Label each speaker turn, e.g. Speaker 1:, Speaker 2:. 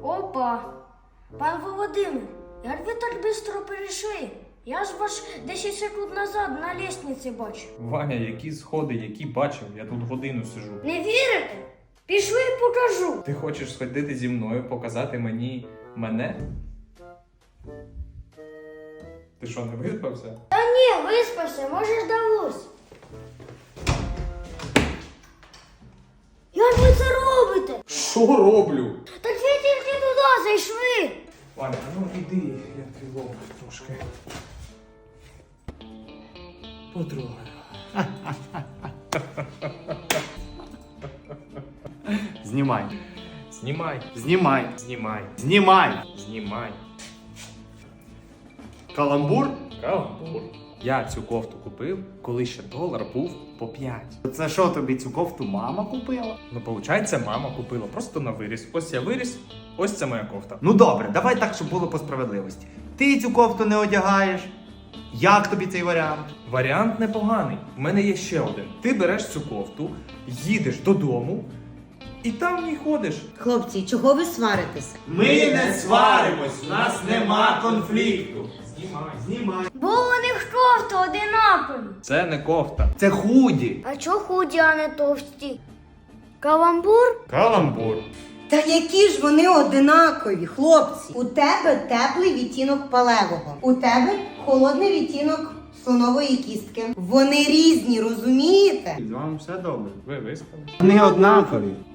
Speaker 1: Опа. Пан Володимир, як ви так швидко перейшли? Я ж вас 10 секунд назад на лестниці бачив.
Speaker 2: Ваня, які сходи, які бачив? Я тут годину сижу.
Speaker 1: Не вірите? Пішли покажу.
Speaker 2: Ти хочеш сходити зі мною, показати мені мене? Ти що, не виспався?
Speaker 1: Та ні, виспався, може здалось. Як ви це робите?
Speaker 2: Що роблю?
Speaker 1: Так ви тільки туди зайшли.
Speaker 2: Ваня, ну іди, я твій лоб трошки потрогаю.
Speaker 3: Знімай.
Speaker 2: Знімай,
Speaker 3: Знімай.
Speaker 2: знімай,
Speaker 3: Знімай.
Speaker 2: знімай.
Speaker 3: Каламбур?
Speaker 2: Каламбур. Я цю кофту купив, коли ще долар був по 5.
Speaker 3: Це що тобі цю кофту мама купила?
Speaker 2: Ну, виходить, мама купила просто на виріс. Ось я виріс, ось це моя кофта.
Speaker 3: Ну добре, давай так, щоб було по справедливості. Ти цю кофту не одягаєш. Як тобі цей варіант?
Speaker 2: Варіант непоганий. У мене є ще один. Ти береш цю кофту, їдеш додому і там в ній ходиш.
Speaker 4: Хлопці, чого ви сваритесь?
Speaker 3: Ми не сваримось, у нас нема конфлікту. Знімай.
Speaker 1: Бо у них кофти одинакові.
Speaker 2: Це не кофта.
Speaker 3: Це худі.
Speaker 1: А чого худі, а не товсті? Каламбур?
Speaker 2: Каламбур.
Speaker 4: Та які ж вони одинакові, хлопці? У тебе теплий відтінок палевого, у тебе холодний відтінок слонової кістки. Вони різні, розумієте?
Speaker 3: З вами все добре.
Speaker 2: Ви виспали?
Speaker 3: Вони однакові.